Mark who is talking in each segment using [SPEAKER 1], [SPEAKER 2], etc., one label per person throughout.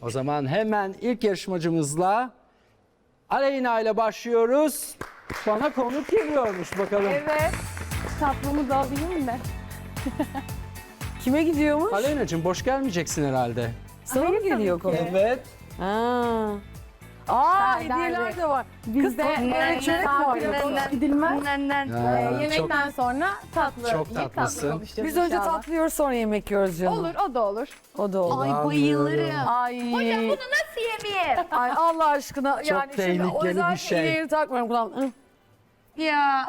[SPEAKER 1] O zaman hemen ilk yarışmacımızla Aleyna ile başlıyoruz. Bana konuk geliyormuş bakalım.
[SPEAKER 2] Evet. Tatlımı da alayım mı?
[SPEAKER 3] Kime gidiyormuş?
[SPEAKER 1] Aleyna'cığım boş gelmeyeceksin herhalde.
[SPEAKER 3] Sana mı geliyor konu?
[SPEAKER 1] Evet.
[SPEAKER 3] Ha. Aa,
[SPEAKER 2] Serdar
[SPEAKER 3] hediyeler
[SPEAKER 2] Bey.
[SPEAKER 3] de var.
[SPEAKER 2] Bizde
[SPEAKER 3] evet, çörek var ya.
[SPEAKER 2] gidilmez. Yemekten
[SPEAKER 1] çok,
[SPEAKER 2] sonra tatlı.
[SPEAKER 1] çok
[SPEAKER 2] yiyip
[SPEAKER 1] tatlısın.
[SPEAKER 2] tatlı konuşacağız
[SPEAKER 3] Biz önce
[SPEAKER 2] inşallah.
[SPEAKER 3] tatlı yiyoruz sonra yemek yiyoruz canım.
[SPEAKER 2] Olur, o da olur.
[SPEAKER 3] O da olur.
[SPEAKER 4] Ay bayılırım.
[SPEAKER 3] Ay.
[SPEAKER 4] Hocam bunu nasıl yemeyeyim?
[SPEAKER 3] Ay Allah aşkına. Yani şimdi
[SPEAKER 1] tehlikeli
[SPEAKER 3] o yüzden
[SPEAKER 1] bir şey.
[SPEAKER 3] iğneyi takmıyorum kulağım.
[SPEAKER 4] Ya.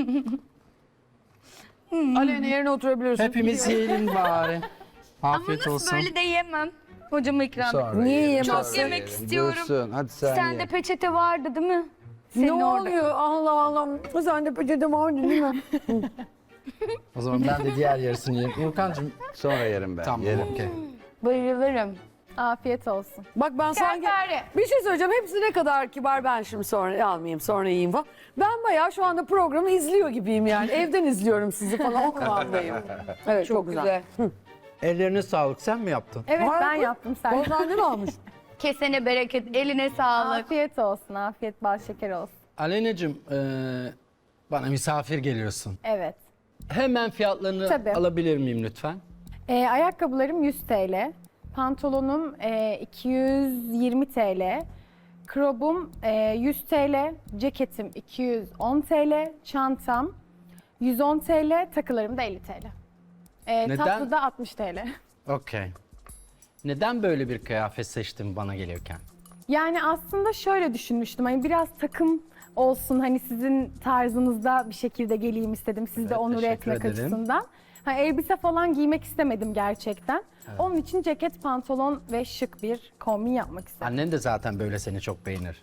[SPEAKER 3] Aleyna yerine oturabilirsin.
[SPEAKER 1] Hepimiz yiyelim bari.
[SPEAKER 4] Ama
[SPEAKER 1] Afiyet
[SPEAKER 4] nasıl
[SPEAKER 1] olsun.
[SPEAKER 4] böyle de yemem. Hocama ikram et.
[SPEAKER 1] Sonra
[SPEAKER 3] Niye
[SPEAKER 1] yiyelim,
[SPEAKER 3] yemezsin?
[SPEAKER 1] sonra
[SPEAKER 4] Çok yemek
[SPEAKER 1] yiyelim.
[SPEAKER 4] istiyorum.
[SPEAKER 1] Buyursun, hadi sen
[SPEAKER 4] Sende
[SPEAKER 1] ye.
[SPEAKER 4] peçete vardı değil mi?
[SPEAKER 3] Ne
[SPEAKER 4] Senin orada.
[SPEAKER 3] oluyor? Allah Allah. Sen de peçete vardı değil mi?
[SPEAKER 1] O zaman ben de diğer yarısını yiyeyim. Urkancığım
[SPEAKER 5] Sonra yerim ben.
[SPEAKER 1] tamam.
[SPEAKER 5] Yerim.
[SPEAKER 1] okey.
[SPEAKER 4] Bayılırım.
[SPEAKER 2] Afiyet olsun.
[SPEAKER 3] Bak ben sanki
[SPEAKER 2] Fare.
[SPEAKER 3] bir şey söyleyeceğim. Hepsi ne kadar kibar, ben şimdi sonra almayayım, sonra yiyeyim falan. Ben bayağı şu anda programı izliyor gibiyim yani. Evden izliyorum sizi falan, o kıvamdayım. Evet, çok güzel.
[SPEAKER 1] Ellerine sağlık. Sen mi yaptın?
[SPEAKER 2] Evet
[SPEAKER 3] Var
[SPEAKER 2] ben
[SPEAKER 3] mı?
[SPEAKER 2] yaptım sen.
[SPEAKER 3] Bozdan ne almış?
[SPEAKER 4] Kesene bereket, eline sağlık.
[SPEAKER 2] Afiyet olsun, afiyet bal şeker olsun.
[SPEAKER 1] Aleyna'cığım bana misafir geliyorsun.
[SPEAKER 2] Evet.
[SPEAKER 1] Hemen fiyatlarını
[SPEAKER 2] Tabii.
[SPEAKER 1] alabilir miyim lütfen?
[SPEAKER 2] Ayakkabılarım 100 TL. Pantolonum 220 TL. Krobum 100 TL. Ceketim 210 TL. Çantam 110 TL. Takılarım da 50 TL.
[SPEAKER 1] Neden?
[SPEAKER 2] Tatlı da 60 TL.
[SPEAKER 1] Okey. Neden böyle bir kıyafet seçtin bana gelirken?
[SPEAKER 2] Yani aslında şöyle düşünmüştüm. Hani biraz takım olsun, hani sizin tarzınızda bir şekilde geleyim istedim. Sizi de
[SPEAKER 1] Evet,
[SPEAKER 2] onur
[SPEAKER 1] teşekkür
[SPEAKER 2] etmek
[SPEAKER 1] ederim.
[SPEAKER 2] açısından. Hani elbise falan giymek istemedim gerçekten. Onun için ceket, pantolon ve şık bir kombin yapmak istedim.
[SPEAKER 1] Annen de zaten böyle seni çok beğenir.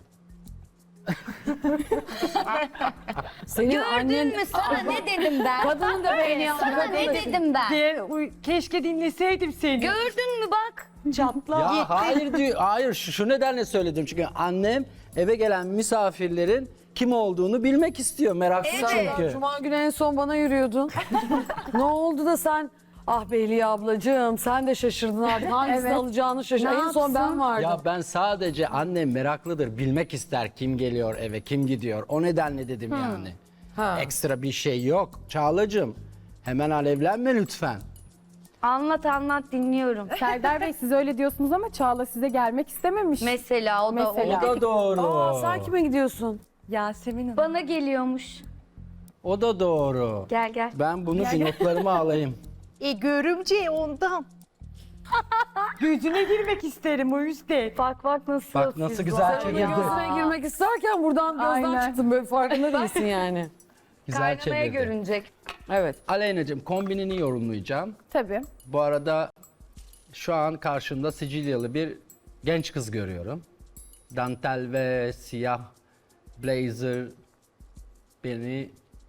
[SPEAKER 3] Senin annen
[SPEAKER 4] Gördün mü sana ne dedim ben?
[SPEAKER 3] kadını da beğeniyor.
[SPEAKER 4] Sana ne dedim ben?
[SPEAKER 3] Keşke dinleseydim seni.
[SPEAKER 4] Gördün mü bak?
[SPEAKER 3] Çatla.
[SPEAKER 1] Ya hayır diyor. Hayır şu nedenle söyledim. Çünkü annem eve gelen misafirlerin kim olduğunu bilmek istiyor. Meraklı
[SPEAKER 4] Evet.
[SPEAKER 1] çünkü.
[SPEAKER 3] Cuma günü en son bana yürüyordun. Ne oldu da sen... Ah Beyliye ablacığım, sen de şaşırdın artık. Hangisini
[SPEAKER 2] Evet.
[SPEAKER 3] alacağını şaşırdın.
[SPEAKER 2] Ne
[SPEAKER 3] En son ben
[SPEAKER 2] yapsın?
[SPEAKER 3] vardım.
[SPEAKER 1] Ya ben sadece annem meraklıdır. Bilmek ister kim geliyor eve, kim gidiyor. O nedenle dedim yani.
[SPEAKER 3] Ha.
[SPEAKER 1] Ekstra bir şey yok. Çağlacığım hemen alevlenme lütfen.
[SPEAKER 4] Anlat anlat dinliyorum.
[SPEAKER 2] Serdar Bey siz öyle diyorsunuz ama Çağla size gelmek istememiş.
[SPEAKER 4] Mesela o da
[SPEAKER 2] Mesela.
[SPEAKER 1] O da doğru.
[SPEAKER 3] Aa, sen kime gidiyorsun? Yasemin Hanım.
[SPEAKER 4] bana geliyormuş.
[SPEAKER 1] O da doğru.
[SPEAKER 4] Gel gel.
[SPEAKER 1] Ben bunu notlarıma alayım.
[SPEAKER 6] Görümce ondan. Gözüne girmek isterim o yüzden.
[SPEAKER 4] Bak bak nasıl.
[SPEAKER 1] Bak nasıl
[SPEAKER 4] siz
[SPEAKER 1] güzel
[SPEAKER 4] var.
[SPEAKER 1] çekildi.
[SPEAKER 3] Gözüne girmek isterken buradan gözden
[SPEAKER 2] Aynen.
[SPEAKER 3] çıktım. Böyle farkında değilsin yani.
[SPEAKER 1] Güzel
[SPEAKER 4] Kaynamaya
[SPEAKER 1] çevirdi.
[SPEAKER 4] görünecek.
[SPEAKER 3] Evet.
[SPEAKER 1] Aleyna'cığım kombinini yorumlayacağım.
[SPEAKER 2] Tabii.
[SPEAKER 1] Bu arada şu an karşımda Sicilyalı bir genç kız görüyorum. Dantel ve siyah blazer beni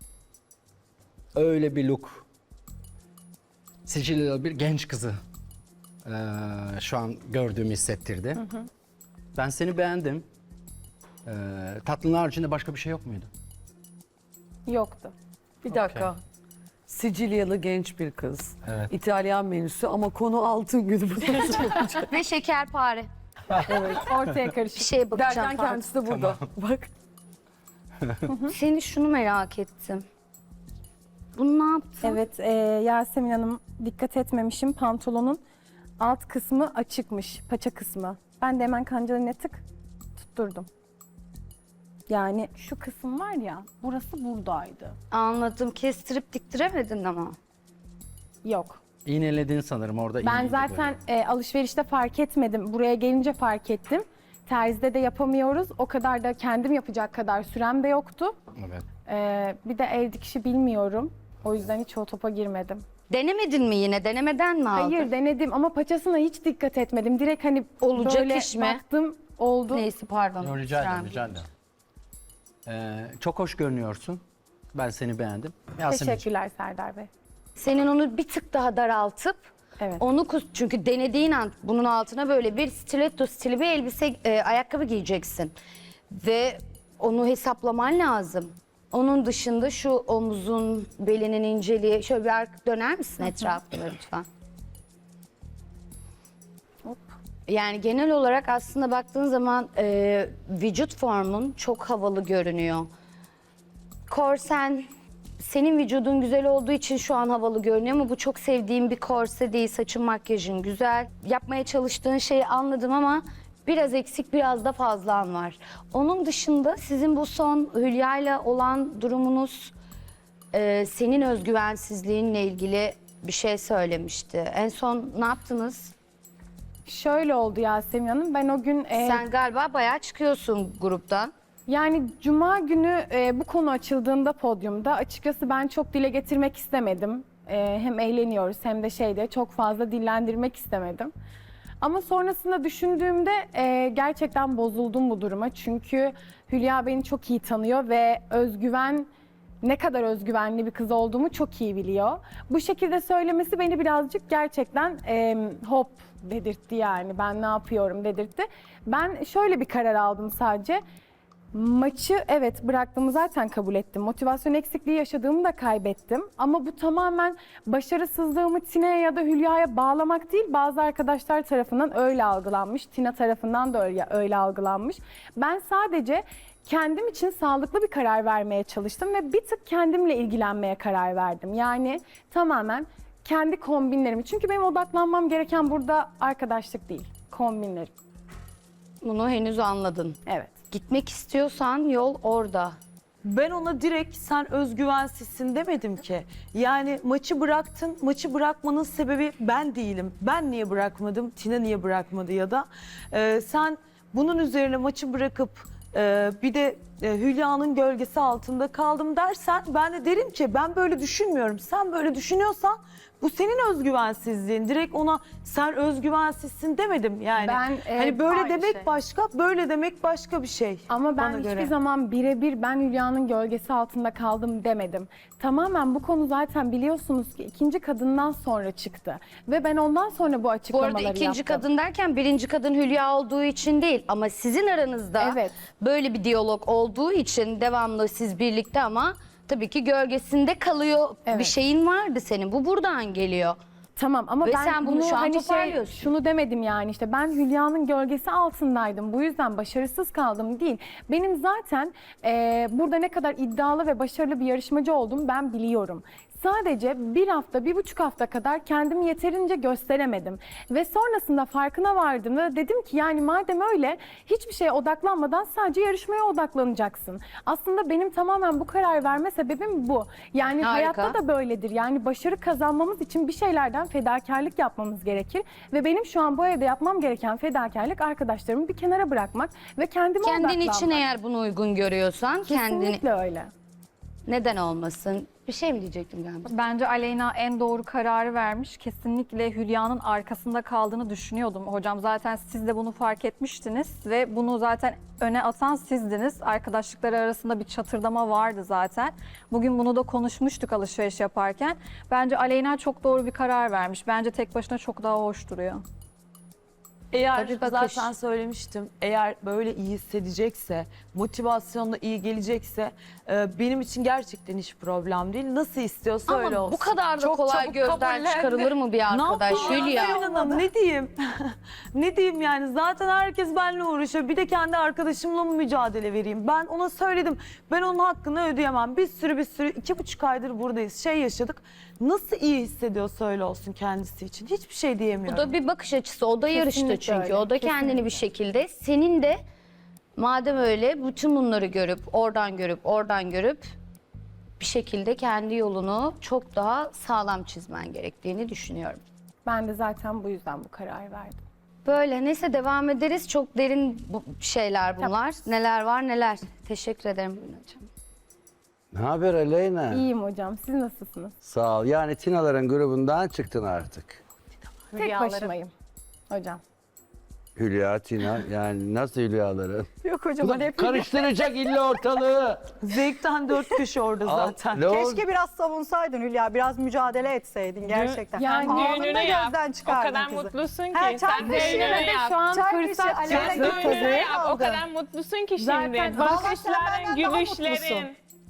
[SPEAKER 1] öyle bir look. Sicilyalı bir genç kızı şu an gördüğümü hissettirdi. Ben seni beğendim. Tatlının haricinde başka bir şey yok muydu?
[SPEAKER 2] Yoktu.
[SPEAKER 3] Bir dakika. Sicilyalı genç bir kız.
[SPEAKER 1] Evet.
[SPEAKER 3] İtalyan menüsü ama konu altın günü. Bu nasıl olacak?
[SPEAKER 4] Ve şekerpare.
[SPEAKER 2] Ortaya
[SPEAKER 4] Bir
[SPEAKER 2] karışık.
[SPEAKER 4] şeye bakacağım.
[SPEAKER 3] Derken
[SPEAKER 4] pardon.
[SPEAKER 3] kendisi de burada. Bak.
[SPEAKER 4] Seni şunu merak ettim. Bunu ne yaptın?
[SPEAKER 2] Evet, Yasemin Hanım dikkat etmemişim. Pantolonun alt kısmı açıkmış, paça kısmı. Ben de hemen kancalarına tık tutturdum. Yani şu kısım var ya, burası buradaydı.
[SPEAKER 4] Anladım. Kestirip diktiremedin ama.
[SPEAKER 2] Yok.
[SPEAKER 1] İğneledin sanırım orada.
[SPEAKER 2] Ben
[SPEAKER 1] iğneydi
[SPEAKER 2] zaten
[SPEAKER 1] böyle.
[SPEAKER 2] alışverişte fark etmedim. Buraya gelince fark ettim. Terzide de yapamıyoruz. O kadar da kendim yapacak kadar sürem de yoktu.
[SPEAKER 1] Evet.
[SPEAKER 2] Bir de el dikişi bilmiyorum. O yüzden hiç o topa girmedim.
[SPEAKER 4] Denemedin mi yine? Denemeden mi aldın?
[SPEAKER 2] Hayır denedim ama paçasına hiç dikkat etmedim. Direkt hani
[SPEAKER 4] Olacak
[SPEAKER 2] böyle
[SPEAKER 4] iş mi?
[SPEAKER 2] baktım oldu.
[SPEAKER 4] Neyse pardon.
[SPEAKER 1] Yo, rica ederim,
[SPEAKER 4] Sürem
[SPEAKER 1] rica ederim. Çok hoş görünüyorsun. Ben seni beğendim. Yasemin'ciğim.
[SPEAKER 2] Teşekkürler Serdar Bey.
[SPEAKER 4] Senin onu bir tık daha daraltıp
[SPEAKER 2] Evet.
[SPEAKER 4] onu çünkü denediğin an bunun altına böyle bir stiletto stili bir elbise ayakkabı giyeceksin. Ve onu hesaplaman lazım. Onun dışında şu omuzun, belinin inceliği şöyle bir döner misin etrafına lütfen?
[SPEAKER 2] Hop.
[SPEAKER 4] Yani genel olarak aslında baktığın zaman vücut formun çok havalı görünüyor. Korsen, senin vücudun güzel olduğu için şu an havalı görünüyor ama bu çok sevdiğim bir korse değil. Saçın, makyajın güzel. Yapmaya çalıştığın şeyi anladım ama biraz eksik, biraz da fazlan var. Onun dışında sizin bu son Hülya'yla olan durumunuz senin özgüvensizliğinle ilgili bir şey söylemişti. En son ne yaptınız?
[SPEAKER 2] Şöyle oldu Yasemin Hanım. Ben o gün
[SPEAKER 4] Sen galiba bayağı çıkıyorsun gruptan.
[SPEAKER 2] yani cuma günü bu konu açıldığında podyumda açıkçası ben çok dile getirmek istemedim. Hem eğleniyoruz hem de çok fazla dillendirmek istemedim. Ama sonrasında düşündüğümde gerçekten bozuldum bu duruma. Çünkü Hülya beni çok iyi tanıyor ve ne kadar özgüvenli bir kız olduğumu çok iyi biliyor. Bu şekilde söylemesi beni birazcık gerçekten hop dedirtti yani. Ben ne yapıyorum dedirtti. Ben şöyle bir karar aldım sadece. Maçı evet bıraktığımı zaten kabul ettim. Motivasyon eksikliği yaşadığımı da kaybettim. Ama bu tamamen başarısızlığımı Tina'ya ya da Hülya'ya bağlamak değil. Bazı arkadaşlar tarafından öyle algılanmış. Tina tarafından da öyle algılanmış. Ben sadece kendim için sağlıklı bir karar vermeye çalıştım ve bir tık kendimle ilgilenmeye karar verdim. Yani tamamen kendi kombinlerimi. Çünkü benim odaklanmam gereken burada arkadaşlık değil, kombinlerim.
[SPEAKER 4] Bunu henüz anladın.
[SPEAKER 2] Evet.
[SPEAKER 4] Gitmek istiyorsan yol orada.
[SPEAKER 6] Ben ona direkt sen özgüvensizsin demedim ki. Yani maçı bıraktın, maçı bırakmanın sebebi ben değilim. Ben niye bırakmadım, Tina niye bırakmadı ya da sen bunun üzerine maçı bırakıp bir de Hülya'nın gölgesi altında kaldım dersen ben de derim ki ben böyle düşünmüyorum. Sen böyle düşünüyorsan bu senin özgüvensizliğin. Direkt ona sen özgüvensizsin demedim yani. Hani böyle
[SPEAKER 2] aynı
[SPEAKER 6] demek
[SPEAKER 2] şey.
[SPEAKER 6] başka, böyle demek başka bir şey.
[SPEAKER 2] Ama ben
[SPEAKER 6] bana
[SPEAKER 2] hiçbir
[SPEAKER 6] göre.
[SPEAKER 2] zaman birebir ben Hülya'nın gölgesi altında kaldım demedim. Tamamen bu konu zaten biliyorsunuz ki ikinci kadından sonra çıktı. Ve ben ondan sonra bu
[SPEAKER 4] Bu
[SPEAKER 2] açıklamaları
[SPEAKER 4] arada ikinci
[SPEAKER 2] yaptım.
[SPEAKER 4] kadın derken birinci kadın Hülya olduğu için değil. Ama sizin aranızda
[SPEAKER 2] Evet.
[SPEAKER 4] böyle bir diyalog olduğu için devamlı siz birlikte ama tabii ki gölgesinde kalıyor.
[SPEAKER 2] Evet.
[SPEAKER 4] Bir şeyin vardı senin. Bu buradan geliyor.
[SPEAKER 2] Tamam ama
[SPEAKER 4] Ve
[SPEAKER 2] ben
[SPEAKER 4] sen bunu şu an toparlıyorsun.
[SPEAKER 2] şunu demedim yani işte ben Hülya'nın gölgesi altındaydım. Bu yüzden başarısız kaldım değil. Benim zaten burada ne kadar iddialı ve başarılı bir yarışmacı olduğumu ben biliyorum. Sadece bir hafta, 1,5 hafta kadar kendimi yeterince gösteremedim. Ve sonrasında farkına vardım ve dedim ki yani madem öyle hiçbir şeye odaklanmadan sadece yarışmaya odaklanacaksın. Aslında benim tamamen bu karar verme sebebim bu. Yani
[SPEAKER 4] Harika.
[SPEAKER 2] hayatta da böyledir. Yani başarı kazanmamız için bir şeylerden fedakarlık yapmamız gerekir. Ve benim şu an bu evde yapmam gereken fedakarlık arkadaşlarımı bir kenara bırakmak ve kendime
[SPEAKER 4] Kendin
[SPEAKER 2] odaklanmak.
[SPEAKER 4] için eğer bunu uygun görüyorsan kendini
[SPEAKER 2] Kesinlikle öyle.
[SPEAKER 4] neden olmasın? Bir şey mi diyecektim galiba?
[SPEAKER 5] Bence Aleyna en doğru kararı vermiş. Kesinlikle Hülya'nın arkasında kaldığını düşünüyordum. Hocam zaten siz de bunu fark etmiştiniz ve bunu zaten öne atan sizdiniz. Arkadaşlıkları arasında bir çatırdama vardı zaten. Bugün bunu da konuşmuştuk alışveriş yaparken. Bence Aleyna çok doğru bir karar vermiş. Bence tek başına çok daha hoş duruyor.
[SPEAKER 6] Eğer
[SPEAKER 4] Tabii bakış.
[SPEAKER 6] zaten söylemiştim, eğer böyle iyi hissedecekse, motivasyonla iyi gelecekse benim için gerçekten hiç problem değil. Nasıl istiyorsa öyle
[SPEAKER 4] Ama
[SPEAKER 6] olsun.
[SPEAKER 4] bu kadar da
[SPEAKER 6] Çok
[SPEAKER 4] kolay
[SPEAKER 6] çabuk
[SPEAKER 4] gözden
[SPEAKER 6] kabullendi.
[SPEAKER 4] çıkarılır mı bir arkadaş
[SPEAKER 6] Ne yapayım
[SPEAKER 4] Hülya?
[SPEAKER 6] Yasemin Hanım, ne diyeyim? Ne diyeyim yani zaten herkes benimle uğraşıyor. Bir de kendi arkadaşımla mı mücadele vereyim? Ben ona söyledim. Ben onun hakkını ödeyemem. Bir sürü 2,5 aydır buradayız. Yaşadık. Nasıl iyi hissediyorsa öyle olsun kendisi için. Hiçbir şey
[SPEAKER 4] Bu
[SPEAKER 6] diyemiyorum.
[SPEAKER 4] da bir bakış açısı. O da yarıştı
[SPEAKER 2] Kesinlikle
[SPEAKER 4] çünkü.
[SPEAKER 2] öyle,
[SPEAKER 4] O da kendini bir şekilde. Senin de madem öyle bütün bunları görüp, oradan görüp bir şekilde kendi yolunu çok daha sağlam çizmen gerektiğini düşünüyorum.
[SPEAKER 2] Ben de zaten bu yüzden bu kararı verdim.
[SPEAKER 4] Böyle neyse devam ederiz. Çok derin şeyler bunlar. Neler var neler. Teşekkür ederim Bülent'ciğim.
[SPEAKER 7] Ne haber Aleyna?
[SPEAKER 2] İyiyim hocam. Siz nasılsınız?
[SPEAKER 7] Sağ ol. Yani Tinaların grubundan çıktın artık.
[SPEAKER 2] Tek başımayım hocam.
[SPEAKER 7] Hülya, Tina yani nasıl Hülyaların?
[SPEAKER 6] Yok hocam.
[SPEAKER 7] Bu da karıştıracak illa ortalığı.
[SPEAKER 6] Zevkten 4 kişi orada zaten.
[SPEAKER 7] Ne oldu?
[SPEAKER 8] Keşke biraz savunsaydın Hülya, biraz mücadele etseydin gerçekten.
[SPEAKER 2] Yani
[SPEAKER 8] Anında
[SPEAKER 9] düğününü yap.
[SPEAKER 8] gözden
[SPEAKER 9] O
[SPEAKER 8] çıkardın
[SPEAKER 9] kadar
[SPEAKER 8] kızı.
[SPEAKER 9] mutlusun ki.
[SPEAKER 8] He, çay
[SPEAKER 9] Sen
[SPEAKER 8] kaşığına
[SPEAKER 9] düğününü
[SPEAKER 2] de
[SPEAKER 9] yap.
[SPEAKER 2] şu an
[SPEAKER 8] Çay kaşığı
[SPEAKER 2] fırsat
[SPEAKER 8] Aleyna
[SPEAKER 9] Sen
[SPEAKER 8] götürdü.
[SPEAKER 9] düğününü yap. O
[SPEAKER 8] aldın.
[SPEAKER 9] kadar mutlusun ki
[SPEAKER 2] Zaten
[SPEAKER 9] şimdi.
[SPEAKER 8] vallahi sen
[SPEAKER 9] Bakışların,
[SPEAKER 8] benden daha
[SPEAKER 9] gülüşlerin.
[SPEAKER 8] mutlusun.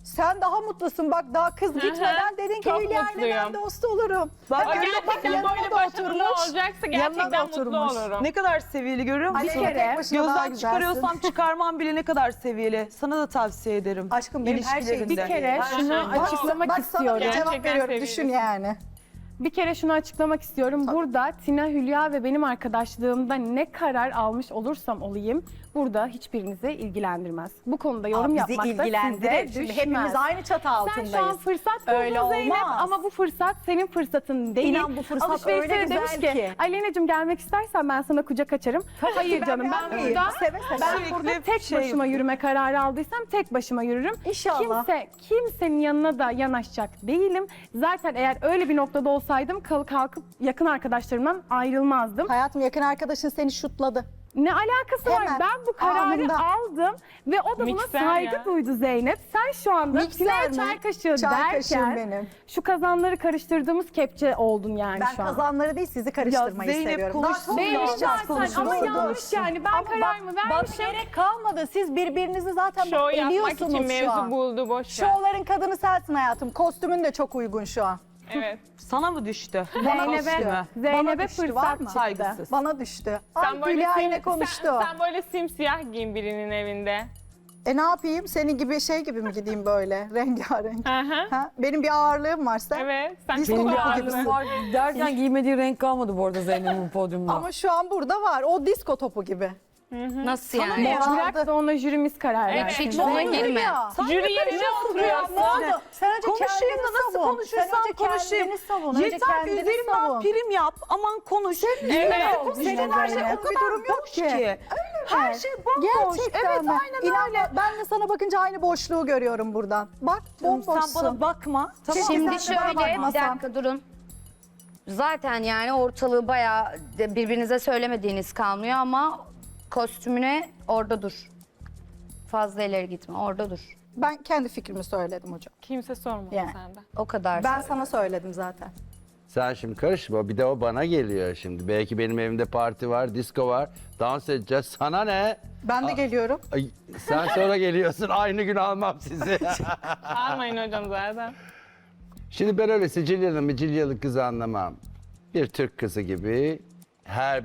[SPEAKER 8] Sen daha mutlusun. Bak daha kız gitmeden dedin ki
[SPEAKER 9] çok
[SPEAKER 8] Hülya ile ben
[SPEAKER 9] mutluyum.
[SPEAKER 8] dost olurum.
[SPEAKER 6] Bak,
[SPEAKER 8] Hemen
[SPEAKER 9] Gerçekten
[SPEAKER 8] yanına
[SPEAKER 9] böyle
[SPEAKER 8] da
[SPEAKER 9] başarılı
[SPEAKER 8] oturmuş.
[SPEAKER 9] olacaksa
[SPEAKER 8] Yanına da
[SPEAKER 9] gerçekten mutlu
[SPEAKER 8] oturmuş.
[SPEAKER 9] olurum.
[SPEAKER 6] ne kadar seviyeli görüyor musun?
[SPEAKER 8] Bir kere tek başına daha
[SPEAKER 6] Gözden
[SPEAKER 8] güzelsin.
[SPEAKER 6] çıkarıyorsam çıkarmam bile ne kadar seviyeli. Sana da tavsiye ederim.
[SPEAKER 8] Aşkım benim her şeyim
[SPEAKER 6] İlişkilerinde.
[SPEAKER 2] Bir kere şunu açıklamak
[SPEAKER 8] Bak sana
[SPEAKER 2] istiyorum.
[SPEAKER 8] bir cevap
[SPEAKER 9] Gerçekten
[SPEAKER 8] veriyorum.
[SPEAKER 9] sevgilisin.
[SPEAKER 8] Düşün yani.
[SPEAKER 2] Bir kere şunu açıklamak istiyorum. Burada Tina, Hülya ve benim arkadaşlığımda ne karar almış olursam olayım burada hiçbirinizi ilgilendirmez. Bu konuda yorum
[SPEAKER 8] Bizi
[SPEAKER 2] yapmak da
[SPEAKER 8] ilgilendirir.
[SPEAKER 2] size
[SPEAKER 8] Şimdi
[SPEAKER 2] düşmez.
[SPEAKER 8] hepimiz aynı çatı
[SPEAKER 2] Sen şu an
[SPEAKER 8] altındayız.
[SPEAKER 2] fırsat buldun
[SPEAKER 8] Öyle
[SPEAKER 2] Zeynep
[SPEAKER 8] olmaz.
[SPEAKER 2] ama bu fırsat senin fırsatın değil.
[SPEAKER 8] İnan bu fırsat
[SPEAKER 2] Alışverişte
[SPEAKER 8] öyle
[SPEAKER 2] de
[SPEAKER 8] güzel
[SPEAKER 2] demiş
[SPEAKER 8] ki.
[SPEAKER 2] Aleyna'cığım gelmek istersen ben sana kucak açarım. Hayır canım ben
[SPEAKER 8] beğenmeyeyim.
[SPEAKER 2] burada
[SPEAKER 8] Seve seve.
[SPEAKER 2] ben
[SPEAKER 6] Sürekli
[SPEAKER 2] burada tek
[SPEAKER 6] şey
[SPEAKER 2] başıma yürüme kararı aldıysam tek başıma yürürüm.
[SPEAKER 8] İnşallah.
[SPEAKER 2] Kimsenin yanına da yanaşacak değilim. Zaten eğer öyle bir noktada olsaydım kalkıp yakın arkadaşlarımdan ayrılmazdım.
[SPEAKER 8] Hayatım yakın arkadaşın seni şutladı.
[SPEAKER 2] Ne alakası var?
[SPEAKER 8] Hemen,
[SPEAKER 2] Ben bu kararı
[SPEAKER 8] anında.
[SPEAKER 2] aldım ve o da buna
[SPEAKER 9] Mikser
[SPEAKER 2] saygı
[SPEAKER 9] ya.
[SPEAKER 2] duydu Zeynep. Sen şu anda
[SPEAKER 8] Mikser
[SPEAKER 2] Tina'ya
[SPEAKER 8] mi?
[SPEAKER 2] çay kaşığı
[SPEAKER 8] Çay kaşığım
[SPEAKER 2] derken
[SPEAKER 8] benim.
[SPEAKER 2] şu kazanları karıştırdığımız kepçe oldun yani
[SPEAKER 8] Ben
[SPEAKER 2] şu an.
[SPEAKER 8] kazanları değil sizi karıştırmayı
[SPEAKER 6] Zeynep
[SPEAKER 8] seviyorum.
[SPEAKER 6] konuşsun
[SPEAKER 8] Daha çok
[SPEAKER 6] ya.
[SPEAKER 2] Belli zaten
[SPEAKER 6] konuşuruz.
[SPEAKER 2] ama
[SPEAKER 8] Doğru.
[SPEAKER 2] yanlış yani. Ben kararımı
[SPEAKER 8] Bak
[SPEAKER 2] vermişim.
[SPEAKER 8] gerek kalmadı. Siz birbirinizi zaten
[SPEAKER 9] Şov yapmak
[SPEAKER 8] eliyorsunuz
[SPEAKER 9] için
[SPEAKER 8] şu
[SPEAKER 9] mevzu
[SPEAKER 8] an.
[SPEAKER 9] buldu, boş ver.
[SPEAKER 8] Şovların kadını sensin hayatım. Kostümün de çok uygun şu an.
[SPEAKER 9] Evet.
[SPEAKER 6] Sana mı düştü?
[SPEAKER 2] Zeynep'e
[SPEAKER 8] Bana
[SPEAKER 2] Zeynep'e
[SPEAKER 8] düştü, var
[SPEAKER 2] fırsat
[SPEAKER 8] mı?
[SPEAKER 2] çıktı.
[SPEAKER 6] Saygısız.
[SPEAKER 8] Bana düştü.
[SPEAKER 9] Sen
[SPEAKER 8] Ay
[SPEAKER 9] böyle,
[SPEAKER 8] Hülya ile
[SPEAKER 9] sim-
[SPEAKER 8] konuştu.
[SPEAKER 9] sen böyle simsiyah giyin birinin evinde.
[SPEAKER 8] Ne yapayım? Senin gibi şey gibi mi gideyim böyle rengarenk?
[SPEAKER 9] Hı hı.
[SPEAKER 8] Ha? Benim bir ağırlığım var sen.
[SPEAKER 9] Evet. Sen
[SPEAKER 8] Disco
[SPEAKER 9] çok
[SPEAKER 8] topu
[SPEAKER 9] ağırlı.
[SPEAKER 8] gibisin.
[SPEAKER 3] Var derken giymediği renk kalmadı bu arada Zeynep'in podyumda.
[SPEAKER 8] Ama şu an burada var. O disko topu gibi.
[SPEAKER 4] Nasıl yani?
[SPEAKER 2] Ya bırak da ona jürimiz karar
[SPEAKER 9] Evet,
[SPEAKER 2] versin.
[SPEAKER 4] Hiç ona girme.
[SPEAKER 9] Jüri yerine oturuyorsun.
[SPEAKER 8] Ne oldu? Sen önce
[SPEAKER 6] Konuşayım
[SPEAKER 8] kendini
[SPEAKER 6] da nasıl
[SPEAKER 8] savun.
[SPEAKER 6] konuşursam
[SPEAKER 8] Sen önce
[SPEAKER 6] konuşayım.
[SPEAKER 8] kendini savun. Önce
[SPEAKER 6] Yeter
[SPEAKER 8] kendini
[SPEAKER 6] üzerimden
[SPEAKER 8] savun.
[SPEAKER 6] prim yap. Aman konuş.
[SPEAKER 9] Evet.
[SPEAKER 6] Senin her şey o kadar
[SPEAKER 8] durum yok
[SPEAKER 6] boş
[SPEAKER 8] ki.
[SPEAKER 6] ki. Her şey bomboş.
[SPEAKER 8] Gerçekten
[SPEAKER 6] Evet
[SPEAKER 8] mi?
[SPEAKER 6] aynen
[SPEAKER 8] İnan
[SPEAKER 6] öyle.
[SPEAKER 8] ben de sana bakınca aynı boşluğu görüyorum buradan. Bak bomboşsun.
[SPEAKER 6] Sen bana bakma. Tamam.
[SPEAKER 4] Şimdi
[SPEAKER 8] sen de bana
[SPEAKER 4] şöyle bir
[SPEAKER 8] bakmasan.
[SPEAKER 4] dakika durun. Zaten yani ortalığı bayağı birbirinize söylemediğiniz kalmıyor ama kostümüne orada dur. Fazla ileri gitme orada dur.
[SPEAKER 8] Ben kendi fikrimi söyledim hocam.
[SPEAKER 9] Kimse sormadı
[SPEAKER 8] Yani.
[SPEAKER 9] senden.
[SPEAKER 4] O kadar.
[SPEAKER 8] Ben sana söyledim zaten.
[SPEAKER 7] Sen şimdi karışma. Bir de o bana geliyor şimdi. Belki benim evimde parti var, disco var. Dans edeceğiz. Sana ne?
[SPEAKER 8] Ben de geliyorum.
[SPEAKER 7] Ay, sen sonra geliyorsun. Aynı gün almam sizi.
[SPEAKER 9] Almayın hocam zaten.
[SPEAKER 7] Şimdi ben öyle Sicilyalı kızı anlamam. Bir Türk kızı gibi her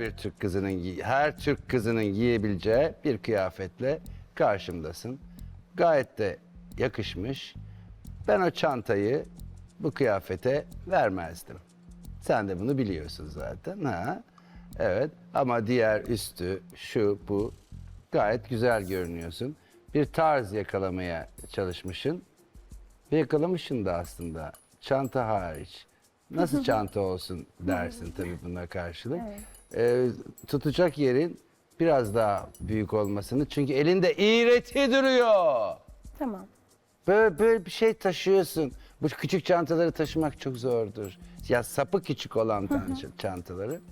[SPEAKER 7] Türk kızının giyebileceği bir kıyafetle karşımdasın. Gayet de yakışmış. Ben o çantayı bu kıyafete vermezdim. Sen de bunu biliyorsun zaten. Ha? Evet ama diğer üstü şu bu gayet güzel görünüyorsun. Bir tarz yakalamaya çalışmışsın. Ve yakalamışsın da aslında. Çanta hariç. Nasıl çanta olsun dersin tabii buna karşılık. Tutacak yerin biraz daha büyük olmasını. Çünkü elinde iğreti duruyor.
[SPEAKER 2] Tamam.
[SPEAKER 7] Böyle bir şey taşıyorsun. Bu küçük çantaları taşımak çok zordur. Ya sapı küçük olan çantaları.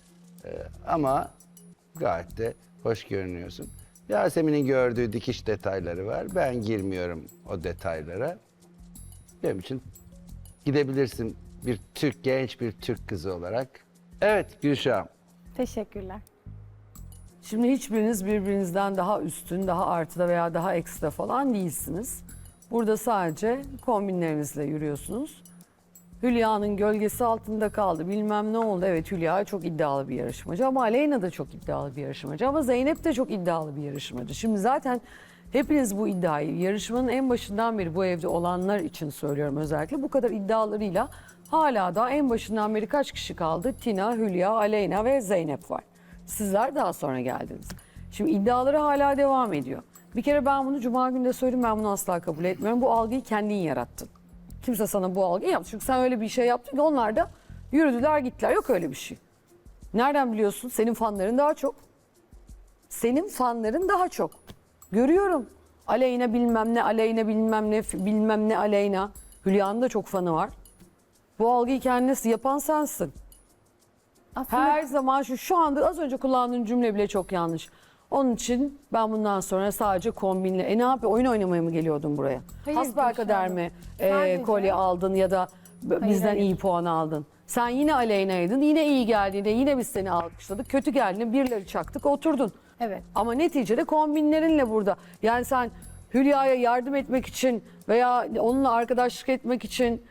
[SPEAKER 7] Ama gayet de hoş görünüyorsun. Yasemin'in gördüğü dikiş detayları var. Ben girmiyorum o detaylara. Benim için gidebilirsin genç bir Türk kızı olarak. Evet Gülşah.
[SPEAKER 2] Teşekkürler.
[SPEAKER 3] Şimdi hiçbiriniz birbirinizden daha üstün, daha artıda veya daha ekstra falan değilsiniz. Burada sadece kombinlerinizle yürüyorsunuz. Hülya'nın gölgesi altında kaldı. Bilmem ne oldu. Evet Hülya çok iddialı bir yarışmacı ama Aleyna da çok iddialı bir yarışmacı. Ama Zeynep de çok iddialı bir yarışmacı. Şimdi zaten hepiniz bu iddiayı yarışmanın en başından beri bu evde olanlar için söylüyorum özellikle. Bu kadar iddialarıyla hala da en başından beri kaç kişi kaldı? Tina, Hülya, Aleyna ve Zeynep var. Sizler daha sonra geldiniz. Şimdi iddiaları hala devam ediyor. Bir kere ben bunu Cuma günü de söyledim, ben bunu asla kabul etmiyorum. Bu algıyı kendin yarattın. Kimse sana bu algıyı yaptı. Çünkü sen öyle bir şey yaptın ki onlar da yürüdüler gittiler. Yok öyle bir şey. Nereden biliyorsun? Senin fanların daha çok. Senin fanların daha çok. Görüyorum. Aleyna bilmem ne, Aleyna bilmem ne, bilmem ne Aleyna. Hülya'nın da çok fanı var. Bu algıyı kendisi yapan sensin.
[SPEAKER 2] Aslında
[SPEAKER 3] Her zaman şu anda az önce kullandığın cümle bile çok yanlış. Onun için ben bundan sonra sadece kombinle. Ne yapıyor? Oyun oynamaya mı geliyordun buraya?
[SPEAKER 2] Hayır,
[SPEAKER 3] Hasbelkader
[SPEAKER 2] Gülşah
[SPEAKER 3] mi
[SPEAKER 2] Sadece-
[SPEAKER 3] kolye aldın ya da bizden
[SPEAKER 2] hayır.
[SPEAKER 3] iyi puan aldın? Sen yine Aleyna'ydın. Yine iyi geldiğinde yine biz seni alkışladık. Kötü geldiğinde birileri çaktık oturdun.
[SPEAKER 2] Evet.
[SPEAKER 3] Ama neticede kombinlerinle burada. Yani sen Hülya'ya yardım etmek için veya onunla arkadaşlık etmek için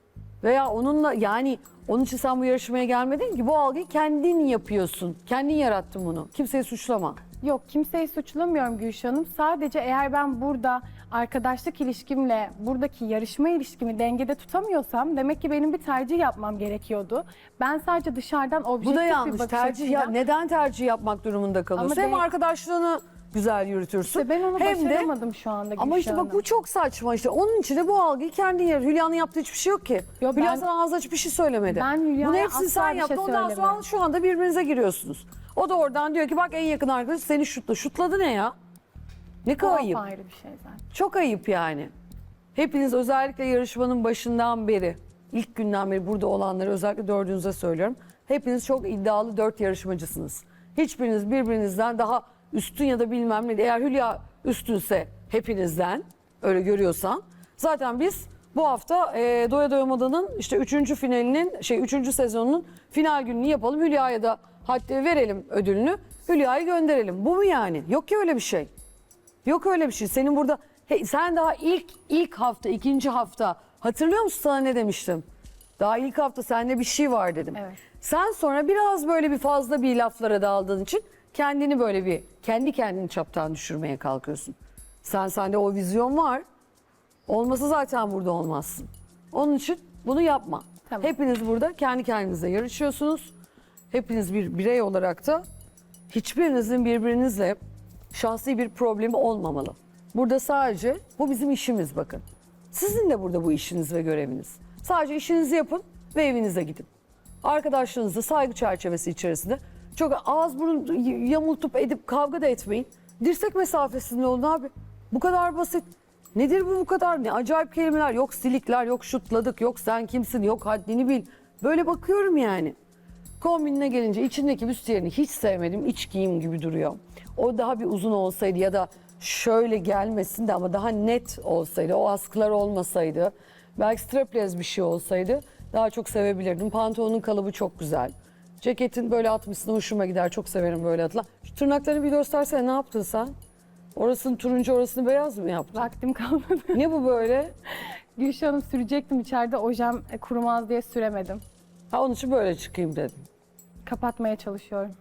[SPEAKER 3] veya onunla yani onun için sen bu yarışmaya gelmedin ki. Bu algıyı kendin yapıyorsun. Kendin yarattın bunu. Kimseyi suçlama.
[SPEAKER 2] Yok, kimseyi suçlamıyorum Gülşah Hanım. Sadece eğer ben burada arkadaşlık ilişkimle buradaki yarışma ilişkimi dengede tutamıyorsam demek ki benim bir tercih yapmam gerekiyordu. Ben sadece dışarıdan objektif
[SPEAKER 3] Bu da
[SPEAKER 2] bir
[SPEAKER 3] yanlış.
[SPEAKER 2] bakış
[SPEAKER 3] Tercih ya,
[SPEAKER 2] açıyla-
[SPEAKER 3] neden tercih yapmak durumunda kalıyorsun?
[SPEAKER 2] Ama
[SPEAKER 3] Hem arkadaşlığını güzel yürütürsün.
[SPEAKER 2] İşte ben onu
[SPEAKER 3] hem de
[SPEAKER 2] başaramadım şu anda Gülşah
[SPEAKER 3] ama işte bak
[SPEAKER 2] Hanım.
[SPEAKER 3] bu çok saçma işte. Onun için de bu algıyı kendin yarat. Hülya'nın yaptığı hiçbir şey yok ki.
[SPEAKER 2] Yo,
[SPEAKER 3] Hülya
[SPEAKER 2] ben-
[SPEAKER 3] sana ağzı açıp bir şey söylemedi.
[SPEAKER 2] Ben Hülya'ya
[SPEAKER 3] Bunu hepsini
[SPEAKER 2] asla
[SPEAKER 3] sen
[SPEAKER 2] bir
[SPEAKER 3] yaptın.
[SPEAKER 2] şey
[SPEAKER 3] Ondan sonra
[SPEAKER 2] söylemiyorum.
[SPEAKER 3] şu anda birbirinize giriyorsunuz. O da oradan diyor ki bak en yakın arkadaş seni şutla. Şutladı ne ya? Ne
[SPEAKER 2] O
[SPEAKER 3] kadar ayıp.
[SPEAKER 2] ayrı bir şey zaten.
[SPEAKER 3] Çok ayıp yani. Hepiniz özellikle yarışmanın başından beri, ilk günden beri burada olanları özellikle dördünüze söylüyorum. Hepiniz çok iddialı 4 yarışmacısınız. Hiçbiriniz birbirinizden daha üstün ya da bilmem ne. Eğer Hülya üstünse hepinizden öyle görüyorsan. Zaten biz bu hafta Doya Doya Moda'nın işte 3. finalinin 3. sezonunun final gününü yapalım. Hülya'ya da hatta verelim ödülünü. Hülya'yı gönderelim. Bu mu yani? Yok ki öyle bir şey. Yok öyle bir şey. Senin burada sen daha ilk hafta, 2. hafta hatırlıyor musun sana ne demiştim? Daha ilk hafta sende bir şey var dedim.
[SPEAKER 2] Evet.
[SPEAKER 3] Sen sonra biraz böyle bir fazla bir laflara daldığın için kendini böyle bir kendi kendini çaptan düşürmeye kalkıyorsun. Sende o vizyon var. Olmasa zaten burada olmazsın. Onun için bunu yapma.
[SPEAKER 2] Tamam.
[SPEAKER 3] Hepiniz burada kendi kendinize yarışıyorsunuz. Hepiniz bir birey olarak da hiçbirinizin birbirinizle şahsi bir problemi olmamalı. Burada sadece bu bizim işimiz bakın. Sizin de burada bu işiniz ve göreviniz. Sadece işinizi yapın ve evinize gidin. Arkadaşlarınızla saygı çerçevesi içerisinde çok ağız burun yamultup edip kavga da etmeyin. Dirsek mesafesinde olun abi. Bu kadar basit. Nedir bu kadar? Ne acayip kelimeler. Yok silikler, yok şutladık, yok sen kimsin, yok haddini bil. Böyle bakıyorum yani. Kombinine gelince içindeki büstiyerini hiç sevmedim. İç giyim gibi duruyor. O daha bir uzun olsaydı ya da şöyle gelmesin de ama daha net olsaydı, o askılar olmasaydı, belki strapless bir şey olsaydı daha çok sevebilirdim. Pantolonun kalıbı çok güzel. Ceketin böyle atmışsın hoşuma gider. Çok severim böyle atılan. Şu tırnaklarını bir göstersene, ne yaptın sen? Orasını turuncu, orasını beyaz mı yaptın?
[SPEAKER 2] Vaktim kalmadı.
[SPEAKER 3] Ne bu böyle?
[SPEAKER 2] Gülşah Hanım sürecektim içeride ojem kurumaz diye süremedim.
[SPEAKER 3] Ha onun için böyle çıkayım dedim.
[SPEAKER 2] Kapatmaya çalışıyorum.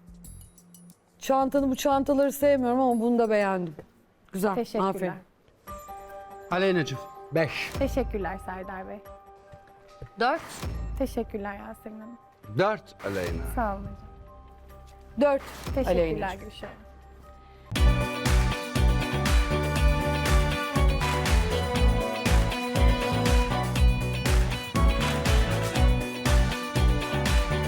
[SPEAKER 3] Bu çantaları sevmiyorum ama bunu da beğendim. Güzel.
[SPEAKER 2] Teşekkürler.
[SPEAKER 3] Aferin.
[SPEAKER 1] Aleyna'cığım 5.
[SPEAKER 2] Teşekkürler Serdar Bey.
[SPEAKER 4] 4.
[SPEAKER 2] Teşekkürler Yasemin Hanım.
[SPEAKER 7] 4 Aleyna.
[SPEAKER 2] Sağ olun hocam.
[SPEAKER 3] 4
[SPEAKER 2] Teşekkürler
[SPEAKER 3] Aleyna'cığım.
[SPEAKER 2] Gülşah Hanım.